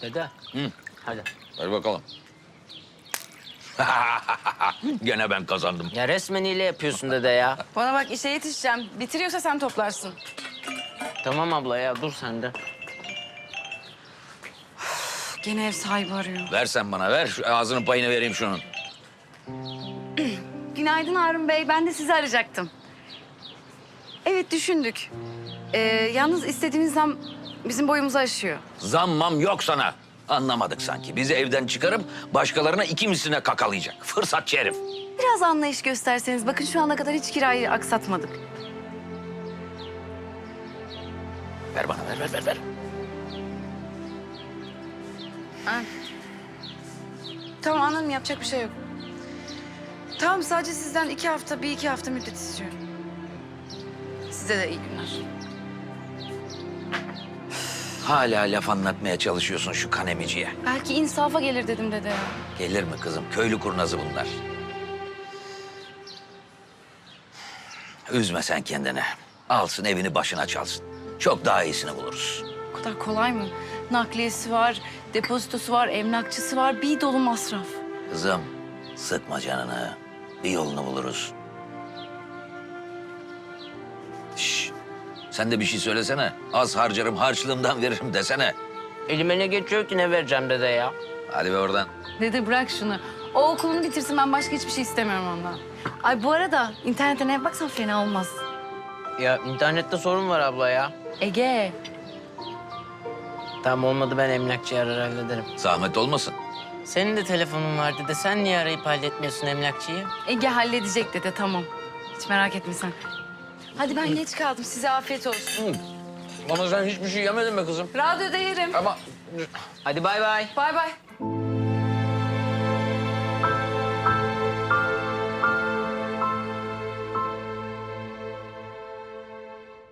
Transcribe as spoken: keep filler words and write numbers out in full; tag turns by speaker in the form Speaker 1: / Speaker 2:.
Speaker 1: Dede.
Speaker 2: Hı.
Speaker 1: Hadi.
Speaker 2: Ver bakalım. Gene ben kazandım.
Speaker 1: Ya resmen hile yapıyorsun dede ya.
Speaker 3: Bana bak işe yetişeceğim. Bitiriyorsa sen toplarsın.
Speaker 1: Tamam abla ya dur sen de.
Speaker 3: Gene ev sahibi arıyor.
Speaker 2: Ver sen bana ver. Şu ağzının payını vereyim şunun.
Speaker 3: Günaydın Harun Bey. Ben de sizi arayacaktım. Evet düşündük. Ee, yalnız istediğiniz zam bizim boyumuzu aşıyor.
Speaker 2: Zammam yok sana. Anlamadık sanki. Bizi evden çıkarıp başkalarına iki misline kakalayacak. Fırsatçı herif.
Speaker 3: Biraz anlayış gösterseniz. Bakın şu ana kadar hiç kirayı aksatmadık.
Speaker 2: Ver bana ver ver ver ver.
Speaker 3: Ha. Tamam anladım yapacak bir şey yok. Tamam sadece sizden iki hafta, bir iki hafta müddet istiyorum. Size de iyi günler.
Speaker 2: Hala laf anlatmaya çalışıyorsun şu kanemiciye.
Speaker 3: Belki insafa gelir dedim dede ya.
Speaker 2: Gelir mi kızım? Köylü kurnazı bunlar. Üzme sen kendini. Alsın evini başına çalsın. Çok daha iyisini buluruz.
Speaker 3: O kadar kolay mı? Nakliyesi var, depozitosu var, emlakçısı var. Bir dolu masraf.
Speaker 2: Kızım sıkma canını. Bir yolunu buluruz. Şş, sen de bir şey söylesene. Az harcarım harçlığımdan veririm desene.
Speaker 1: Elime ne geçiyor ki ne vereceğim dede ya?
Speaker 2: Hadi be oradan.
Speaker 3: Dede bırak şunu. O okulunu bitirsin ben başka hiçbir şey istemiyorum ondan. Ay bu arada internetten ev baksan fena olmaz.
Speaker 1: Ya internette sorun var abla ya.
Speaker 3: Ege.
Speaker 1: Tamam olmadı ben emlakçıyı arar hallederim.
Speaker 2: Zahmet olmasın.
Speaker 1: Senin de telefonun var dede. Sen niye arayıp halletmiyorsun emlakçıyı?
Speaker 3: Ege halledecek dede tamam. Hiç merak etme sen. Hadi ben geç kaldım. Size afiyet olsun.
Speaker 2: Ama sen hiçbir şey yemedin be kızım.
Speaker 3: Radyoda yerim.
Speaker 2: Ama
Speaker 1: Hadi bay bay.
Speaker 3: Bay bay.